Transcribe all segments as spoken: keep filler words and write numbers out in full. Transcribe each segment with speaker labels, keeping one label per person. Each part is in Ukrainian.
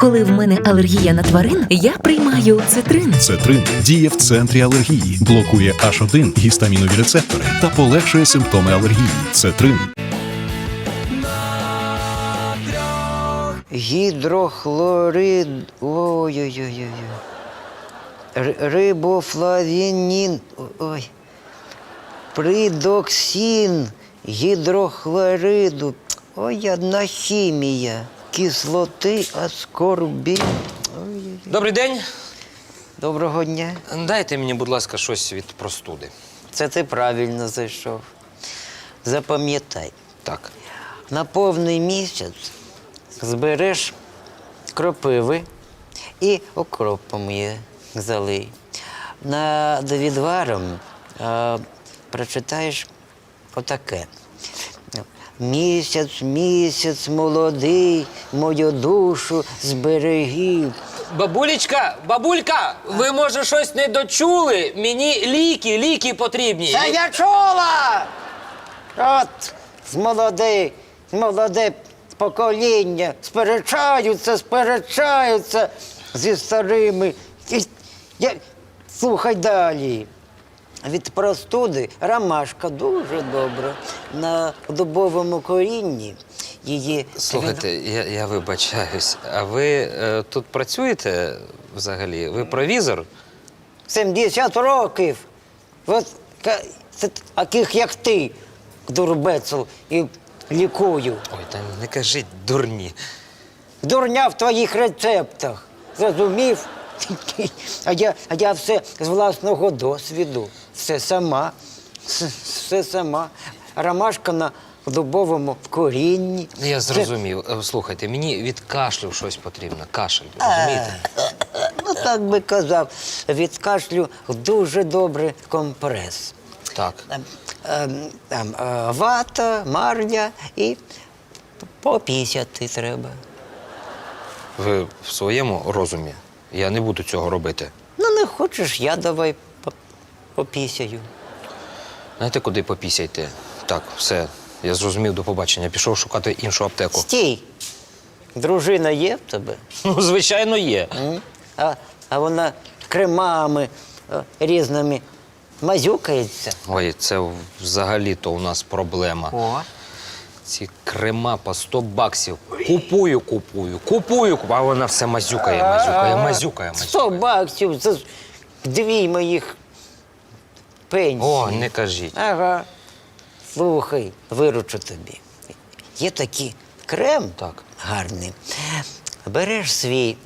Speaker 1: Коли в мене алергія на тварин, я приймаю цитрин.
Speaker 2: Цетрин діє в центрі алергії, блокує аш один гістамінові рецептори та полегшує симптоми алергії. Цетрин.
Speaker 3: Гідрохлорид. Ой-ой-ой. Рибофлавінін. Ой. Придоксин гідрохлориду. Ой, одна хімія. Кислоти, аскорбін. Ой-ой-ой.
Speaker 4: Добрий день.
Speaker 3: Доброго дня.
Speaker 4: Дайте мені, будь ласка, щось від простуди.
Speaker 3: Це ти правильно зайшов. Запам'ятай.
Speaker 4: Так.
Speaker 3: На повний місяць збереш кропиви і окропом її залий. Над відваром а, прочитаєш отаке. Місяць, місяць молодий, мою душу зберегів.
Speaker 4: Бабулечка, бабулька, ви, може, щось не дочули? Мені ліки, ліки потрібні.
Speaker 3: Та я чула! От, з молоде, молоде покоління сперечаються, сперечаються зі старими. І Я... Слухай далі. Від простуди ромашка дуже добра. На дубовому корінні її...
Speaker 4: Слухайте, я, я вибачаюсь, а ви е, тут працюєте взагалі? Ви провізор?
Speaker 3: сімдесят років. От ка- це таких, як ти, дурбецел, і лікую.
Speaker 4: Ой, та не кажіть дурні.
Speaker 3: Дурня в твоїх рецептах. Зрозумів? А я, а я все з власного досвіду. Все сама. Все, все сама. Ромашка на дубовому корінні.
Speaker 4: Я зрозумів. Е, Слухайте, мені від кашлю щось потрібно. Кашель, розумієте?
Speaker 3: Ну, так би казав. Від кашлю дуже добрий компрес.
Speaker 4: Так.
Speaker 3: Ем, ем, Там е, вата, марля і попісяти треба.
Speaker 4: Ви в своєму розумі? Я не буду цього робити.
Speaker 3: Ну, не хочеш, я давай по- попісяю.
Speaker 4: Знаєте, куди попісяйте? Так, все, я зрозумів, до побачення. Пішов шукати іншу аптеку.
Speaker 3: Стій! Дружина є в тебе?
Speaker 4: Ну, звичайно, є.
Speaker 3: М? А, а вона кремами е, різними мазюкається.
Speaker 4: Ой, це взагалі-то у нас проблема.
Speaker 3: О.
Speaker 4: Ці крема по сто баксів. Купую, купую, купую, купую. А вона все мазюкає, мазюкає, мазюкає,
Speaker 3: Сто
Speaker 4: мазюкає.
Speaker 3: баксів, це ж дві моїх пенсії.
Speaker 4: О, не кажіть.
Speaker 3: Ага. Слухай, виручу тобі. Є такий крем
Speaker 4: Так.
Speaker 3: гарний. Береш свій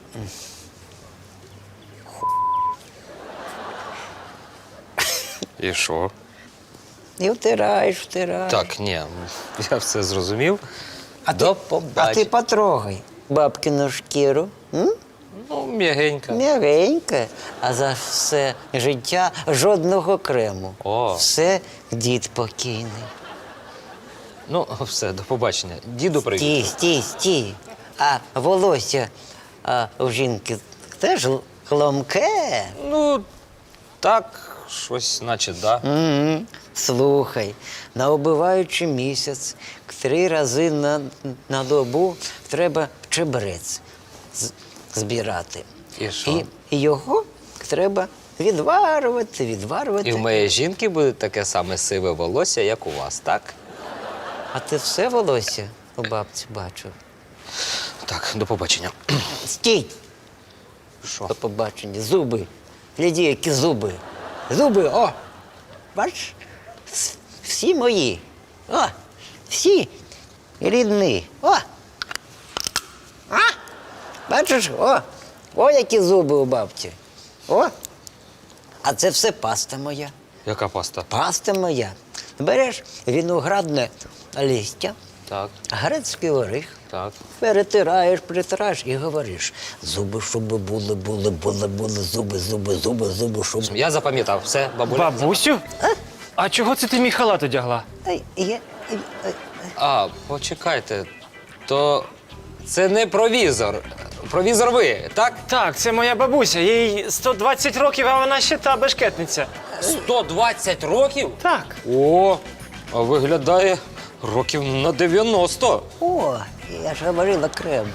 Speaker 4: І що?
Speaker 3: і втираєш, втираєш.
Speaker 4: Так, ні, я все зрозумів.
Speaker 3: А
Speaker 4: До
Speaker 3: ти, а
Speaker 4: побачення.
Speaker 3: ти потрогай бабкину шкіру. М?
Speaker 4: Ну, м'ягенька.
Speaker 3: М'ягенька, а за все життя жодного крему.
Speaker 4: О.
Speaker 3: Все дід покійний.
Speaker 4: Ну, все, до побачення. Діду привіт.
Speaker 3: Стій, стій, стій. А волосся а, у жінки теж л- ломке.
Speaker 4: Ну, так, щось, наче, да.
Speaker 3: Угу. Слухай, на убиваючий місяць три рази на, на добу треба чебрець з- збирати.
Speaker 4: І що?
Speaker 3: І, і його треба відварювати, відварювати.
Speaker 4: І в моєї жінки буде таке саме сиве волосся, як у вас, так?
Speaker 3: А ти все волосся у бабці бачив?
Speaker 4: Так, до побачення.
Speaker 3: Стій!
Speaker 4: Що?
Speaker 3: До побачення. Зуби. Гляді, які зуби. Зуби, о! Бачиш? С- Всі мої. О! Всі рідні. О! А? Бачиш? О! О, які зуби у бабці. О! А це все паста моя.
Speaker 4: Яка паста?
Speaker 3: Паста моя. Береш виноградне листя,
Speaker 4: Так,
Speaker 3: грецький оріх,
Speaker 4: так.
Speaker 3: перетираєш, притираєш і говориш. Зуби, щоб були, були, були, були, зуби, зуби, зуби, зуби, щоб.
Speaker 4: Я запам'ятав. Все, бабуля.
Speaker 5: Бабусю? А чого це ти мій халат одягла?
Speaker 3: Ай, я, ай, ай.
Speaker 4: А, почекайте. То це не провізор. Провізор ви, так?
Speaker 5: Так, це моя бабуся. Їй сто двадцять років, а вона ще та бешкетниця.
Speaker 4: сто двадцять років?
Speaker 5: Так.
Speaker 4: О, а виглядає років на дев'яносто.
Speaker 3: О, я ж говорила крем.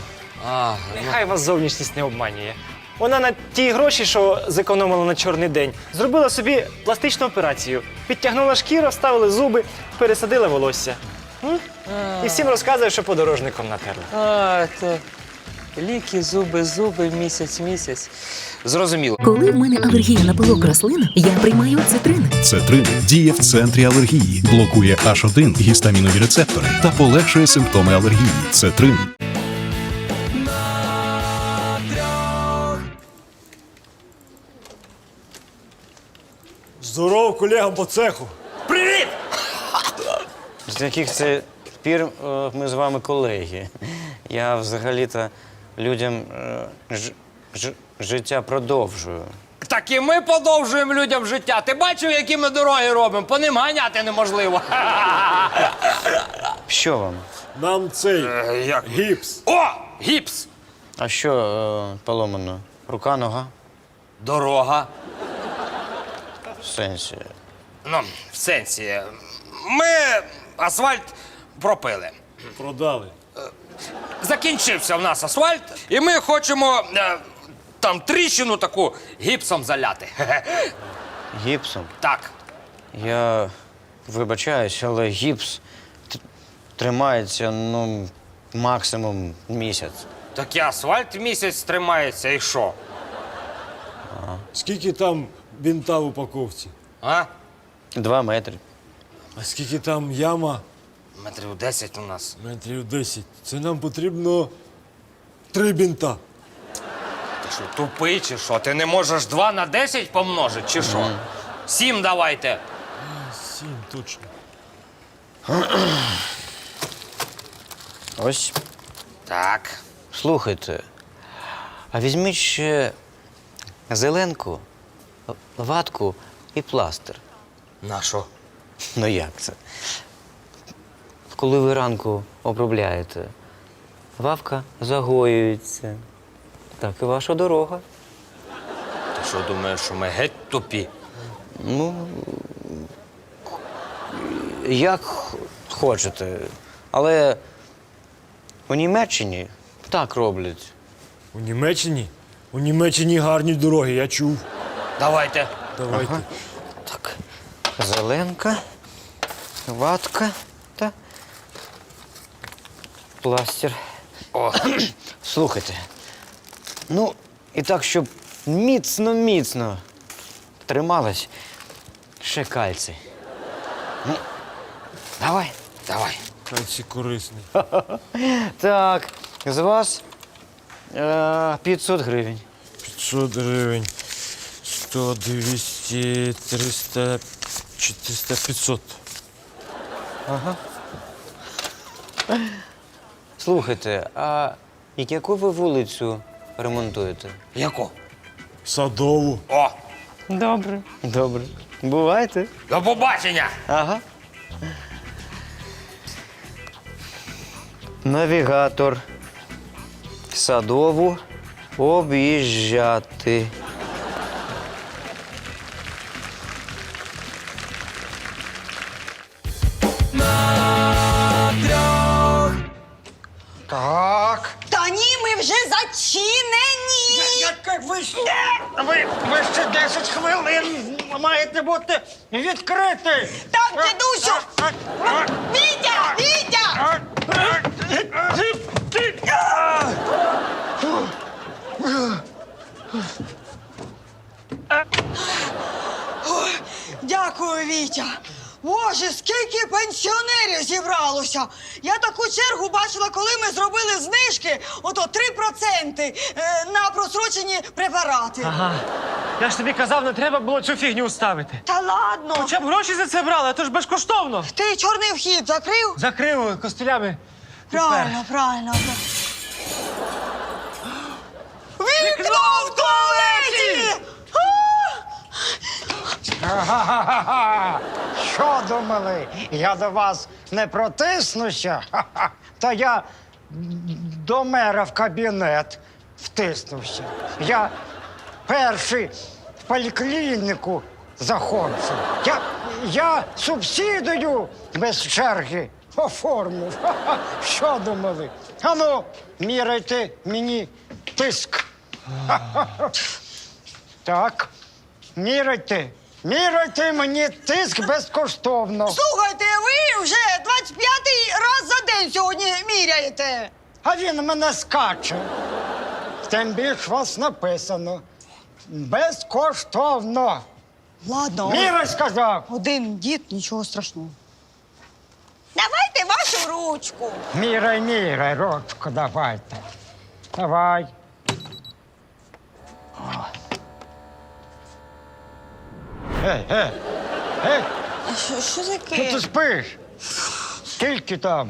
Speaker 4: А,
Speaker 5: Нехай вас зовнішність не обманює. Вона на ті гроші, що зекономила на чорний день, зробила собі пластичну операцію. Підтягнула шкіру, вставили зуби, пересадила волосся. М? І всім розказує, що подорожником натерла.
Speaker 4: а, то ліки, зуби, зуби, місяць, місяць. Зрозуміло.
Speaker 1: Коли в мене алергія на пилок рослин, я приймаю цитрин.
Speaker 2: Цетрин діє в центрі алергії, блокує аш один гістамінові рецептори та полегшує симптоми алергії. Цетрин.
Speaker 6: Здоров колегам по цеху.
Speaker 3: З яких це пір е, ми з вами колеги? Я взагалі-то людям е, ж, ж, життя продовжую.
Speaker 4: Так і ми подовжуємо людям життя. Ти бачив, які ми дороги робимо? По ним ганяти неможливо.
Speaker 3: Що вам?
Speaker 6: Нам цей
Speaker 4: як?
Speaker 6: гіпс.
Speaker 4: О, гіпс!
Speaker 3: А що е, поломано? Рука, нога?
Speaker 4: Дорога.
Speaker 3: В сенсі.
Speaker 4: Ну, в сенсі. Ми асфальт пропили.
Speaker 6: Продали.
Speaker 4: Закінчився в нас асфальт, і ми хочемо е, там тріщину таку гіпсом заляти.
Speaker 3: Гіпсом?
Speaker 4: Так.
Speaker 3: Я вибачаюсь, але гіпс т- тримається, ну, максимум місяць.
Speaker 4: Так і асфальт місяць тримається, і що?
Speaker 6: Скільки там бінта в упаковці?
Speaker 4: А?
Speaker 3: Два метри.
Speaker 6: А скільки там яма?
Speaker 4: Метрів десять у нас.
Speaker 6: Метрів десять. Це нам потрібно три бінта.
Speaker 4: Ти що, тупий чи що? Ти не можеш два на десять помножити, чи що? Сім давайте.
Speaker 6: Сім, точно.
Speaker 3: Ось.
Speaker 4: Так.
Speaker 3: Слухайте, а візьміть ще зеленку, ватку і пластир.
Speaker 4: На що?
Speaker 3: Ну як це? Коли ви ранку обробляєте, вавка загоюється. Так і ваша дорога.
Speaker 4: Ти що думаєш, що ми геть тупі?
Speaker 3: Ну, як х- хочете. Але у Німеччині так роблять.
Speaker 6: У Німеччині? У Німеччині гарні дороги, я чув.
Speaker 4: Давайте.
Speaker 6: Давайте.
Speaker 3: Так, зеленка, ватка та пластир.
Speaker 4: О,
Speaker 3: Слухайте, ну і так, щоб міцно-міцно трималась, ще кальцій. Ну, давай.
Speaker 4: давай.
Speaker 6: Кальцій корисний.
Speaker 3: Так, з вас е, п'ятсот гривень.
Speaker 6: п'ятсот гривень. сто, двісті, триста, чотириста, п'ятсот.
Speaker 3: Слухайте, а яку ви вулицю ремонтуєте?
Speaker 4: Яку?
Speaker 6: Садову.
Speaker 4: О,
Speaker 3: Добре. Добре. Бувайте.
Speaker 4: до побачення.
Speaker 3: Ага. Навігатор. Садову об'їжджати.
Speaker 7: Так.
Speaker 8: Та ні, ми вже зачинені.
Speaker 7: Як ви, ви, ви ще десять хвилин маєте бути відкриті.
Speaker 8: Так, дідусю. Вітя! Вітя! Ой, дякую, Вітя. Боже, скільки пенсіонерів зібралося. Я таку чергу бачила, коли ми зробили знижки, ото три проценти е, на просрочені препарати.
Speaker 5: Ага. Я ж тобі казав, не треба було цю фігню ставити.
Speaker 8: Та ладно.
Speaker 5: Хоча б гроші за це брали, а то ж безкоштовно.
Speaker 8: Ти чорний вхід закрив?
Speaker 5: Закрив костелями.
Speaker 8: Правильно, правильно. Вікно в туалеті!
Speaker 7: Га-га-га-га! Що думали? Я до вас не протиснуся? Ха-ха. Та я до мера в кабінет втиснувся. Я перший в поліклініку заходжу. Я, я субсидію без черги оформив. Ха-ха. Що думали? Ану, міряйте мені тиск. Ха-ха. Так, міряйте. Міряйте мені тиск безкоштовно.
Speaker 8: Слухайте, ви вже двадцять п'ятий раз за день сьогодні міряєте.
Speaker 7: А він мене скаче. Тим більш вас написано. Безкоштовно.
Speaker 8: Ладно,
Speaker 7: Міряй, сказав.
Speaker 8: один дід, нічого страшного. Давайте вашу ручку.
Speaker 7: Міряй, міряй, ручку давайте. Давай. О. Ей, ей, ей,
Speaker 8: А що, що
Speaker 7: що
Speaker 8: таке?
Speaker 7: ти спиш? Скільки там?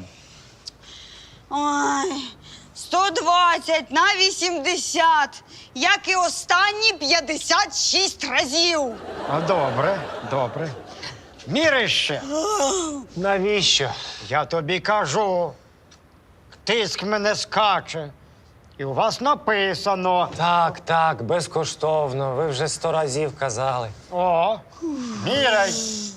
Speaker 8: Ой, сто двадцять на вісімдесят, як і останні п'ятдесят шість разів.
Speaker 7: А добре, добре. Міряй ще.
Speaker 5: Навіщо?
Speaker 7: Я тобі кажу. Тиск мене скаче. І у вас написано.
Speaker 4: Так, так, безкоштовно. Ви вже сто разів казали.
Speaker 7: О, міряй.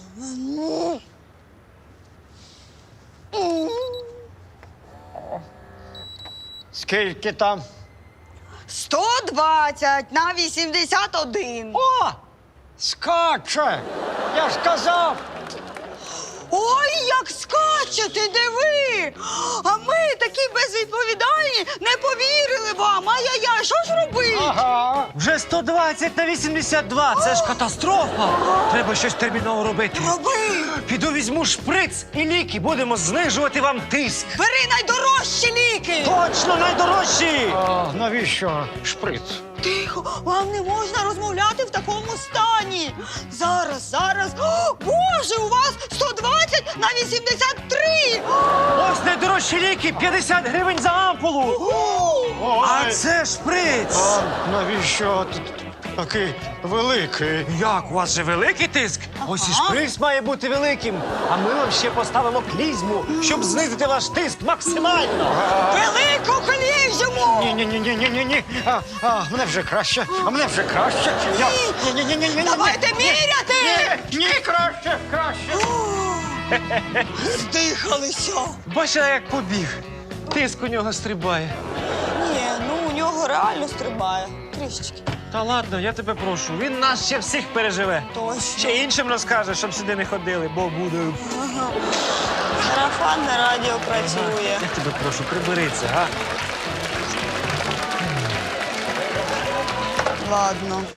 Speaker 7: Скільки там?
Speaker 8: сто двадцять на вісімдесят один.
Speaker 7: О! Скаче! Я ж казав!
Speaker 8: Ой, як скачете, диви! А ми такі безвідповідальні, не повірили вам. Ай-яй-яй, що ж робити?
Speaker 7: Ага.
Speaker 5: Вже сто двадцять на вісімдесят два. Це ж катастрофа. Треба щось терміново робити.
Speaker 8: Роби!
Speaker 5: Піду візьму шприц і ліки. Будемо знижувати вам тиск.
Speaker 8: Бери найдорожчі ліки!
Speaker 5: Точно найдорожчі!
Speaker 7: А навіщо шприц?
Speaker 8: Тихо, вам не можна розмовляти в такому стані. Зараз, зараз. О, Боже, у вас сто двадцять на вісімдесят три.
Speaker 5: Ось найдорожчі ліки, п'ятдесят гривень за ампулу. А це шприц.
Speaker 7: А навіщо т- такий великий?
Speaker 5: Як, у вас же великий тиск? Ось і шприц має бути великим. А ми вам ще поставимо клізму, щоб знизити ваш тиск максимально.
Speaker 8: Велику клізму!
Speaker 7: Ні, ні, ні, ні, ні, ні, ні. А, а, мене вже краще, а мене вже краще. Я... Ні, ні, ні, ні, ні, ні.
Speaker 8: Давайте міряти!
Speaker 7: Ні, ні, краще, краще.
Speaker 8: Здихалися.
Speaker 5: Бачите, як побіг. Тиск у нього стрибає.
Speaker 8: Ні, ну у нього реально стрибає. Трішечки.
Speaker 5: Та ладно, я тебе прошу. Він нас ще всіх переживе.
Speaker 8: Точно.
Speaker 5: Ще іншим розкаже, щоб сюди не ходили, бо буде.
Speaker 8: Сарафанне радіо працює.
Speaker 5: Я тебе прошу, прибери це, га?
Speaker 8: Ладно.